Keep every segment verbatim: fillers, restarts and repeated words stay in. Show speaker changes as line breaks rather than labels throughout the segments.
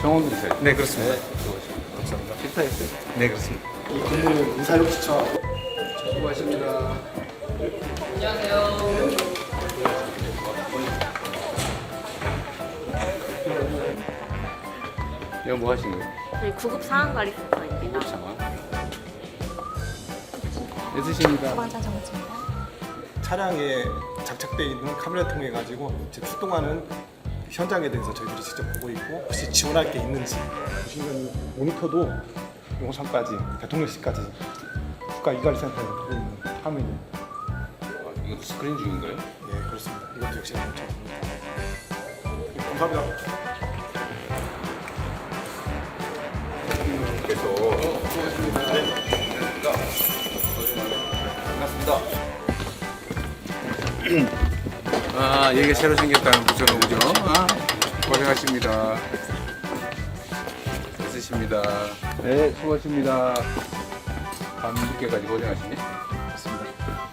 병원으로세요?
네, 그렇습니다.
네, 수고하십니다. 감사합니다. 필터했어요?
네, 그렇습니다.
이 근무는 인사력 추천.
수고하십니다. 이거 뭐 하시는 거예요?
저희 구급 상황 관리센터입니다.
상황. 애쓰십니다.
소방차 정지입니다.
차량에 장착되어 있는 카메라 통해 가지고 지금 출동하는 현장에 대해서 저희들이 직접 보고 있고 혹시 지원할 게 있는지 보시면 모니터도 용산까지 대통령실까지 국가 이관리센터에 보고 있는 화면입니다.
아, 이것도 스크린 중인가요?
예, 그렇습니다. 이것도 역시 엄청 감사합니다.
그래서 반갑습니다. 아, 이게 새로 생겼다는 거죠, 그죠? 아, 고생하십니다. 애쓰십니다. 네, 수고하십니다. 밤 늦게까지 고생하시네.
맞습니다.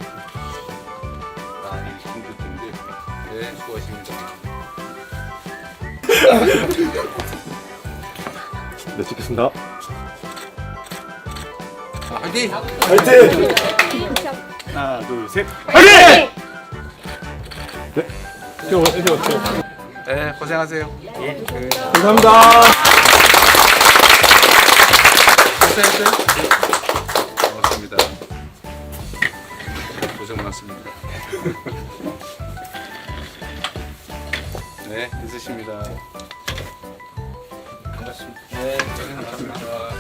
아, 이게 힘들 텐데. 네, 수고하십니다.
네, 찍겠습니다.
아, 화이팅!
화이팅! 하나, 둘, 셋.
네, 고생하세요. 예.
감사합니다.
고생했어요? 고맙습니다. 고생 많습니다. 네, 있으십니다. 반갑습니다. 네, 고생 많습니다.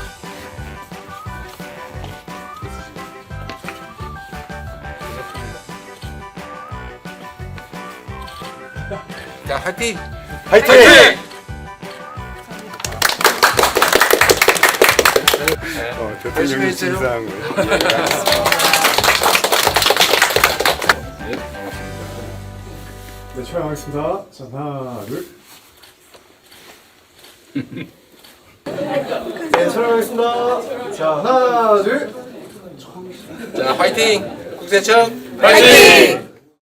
자, 화이팅!
화이팅!
어,
대통령
했어요?
진상을. 네, 촬영하겠습니다. 자, 하나, 둘. 네, 촬영하겠습니다. 자, 하나, 둘.
자, 화이팅! 국세청 화이팅!